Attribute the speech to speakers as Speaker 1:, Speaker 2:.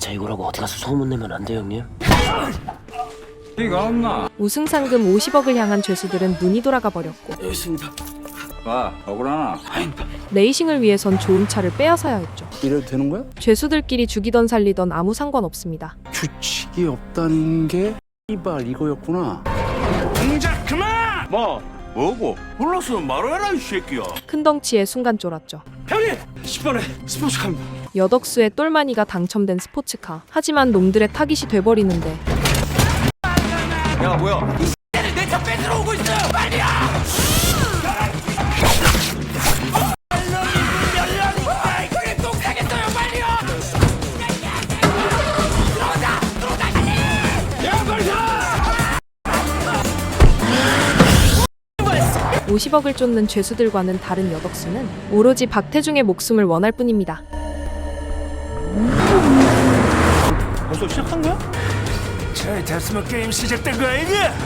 Speaker 1: 진짜 이거라고 어디 가서 소문내면 안 돼요, 형님?
Speaker 2: 이가 없나?
Speaker 3: 우승 상금 50억을 향한 죄수들은 눈이 돌아가 버렸고
Speaker 1: 여기 있습니다.
Speaker 2: 봐, 억울하나?
Speaker 3: 레이싱을 위해선 좋은 차를 빼앗아야 했죠.
Speaker 4: 이래도 되는 거야?
Speaker 3: 죄수들끼리 죽이던 살리던 아무 상관없습니다.
Speaker 4: 규칙이 없다는 게 이발 이거였구나.
Speaker 5: 동작 그만! 뭐고? 몰랐으면 말해라 이 새끼야.
Speaker 3: 큰 덩치에 순간 쫄았죠.
Speaker 5: 형님! 10번에 스포츠카입니다.
Speaker 3: 여덕수의 똘마니가 당첨된 스포츠카. 하지만 놈들의 타깃이 돼버리는데
Speaker 5: 야 뭐야? 이 X를 내 차 뺏으러 오고 있어요! 빨리야! 그게 똥 싸겠어요 빨리요!
Speaker 3: 50억을 쫓는 죄수들과는 다른 여덕수는 오로지 박태중의 목숨을 원할 뿐입니다.
Speaker 5: 벌써 시작한 거야? 잘 됐으면 게임 시작된 거 아니냐?